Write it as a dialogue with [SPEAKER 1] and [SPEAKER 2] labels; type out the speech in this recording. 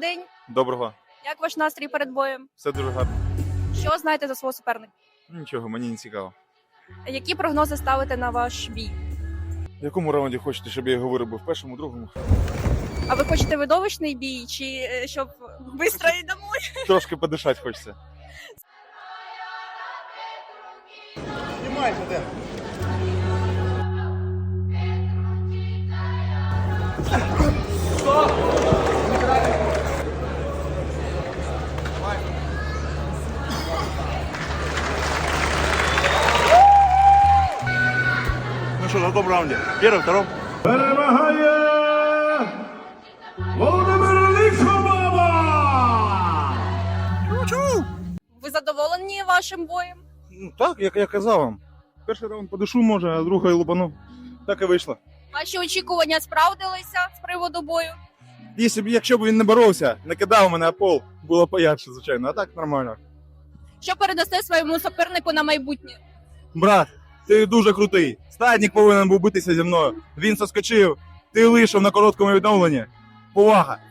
[SPEAKER 1] день.
[SPEAKER 2] Доброго.
[SPEAKER 1] Як ваш настрій перед боєм?
[SPEAKER 2] Все дуже гарно.
[SPEAKER 1] Що знаєте за свого суперника?
[SPEAKER 2] Нічого, мені не цікаво.
[SPEAKER 1] Які прогнози ставите на ваш бій?
[SPEAKER 2] В якому раунді хочете, щоб я його виробив? В першому, другому?
[SPEAKER 1] А ви хочете видовищний бій, чи щоб швидко і домой?
[SPEAKER 2] Трошки подишати хочеться. Знімайте, де? Ну що, на каком раунде? Первый, второй?
[SPEAKER 3] Перемагає Володимир Лихомова!
[SPEAKER 1] Ви задоволені вашим боєм?
[SPEAKER 2] Ну так, як я казав вам. Перший раунд подишу може, а другий лупану. Так і вийшло.
[SPEAKER 1] Ваші очікування справдилися з приводу бою?
[SPEAKER 2] Якщо б він не боровся, не кидав мене, а пол, було поярше, звичайно, а так нормально.
[SPEAKER 1] Що передасте своєму супернику на майбутнє?
[SPEAKER 2] Брат, ти дуже крутий. Стадник повинен був битися зі мною. Він соскочив, ти вийшов на короткому відновленні. Повага.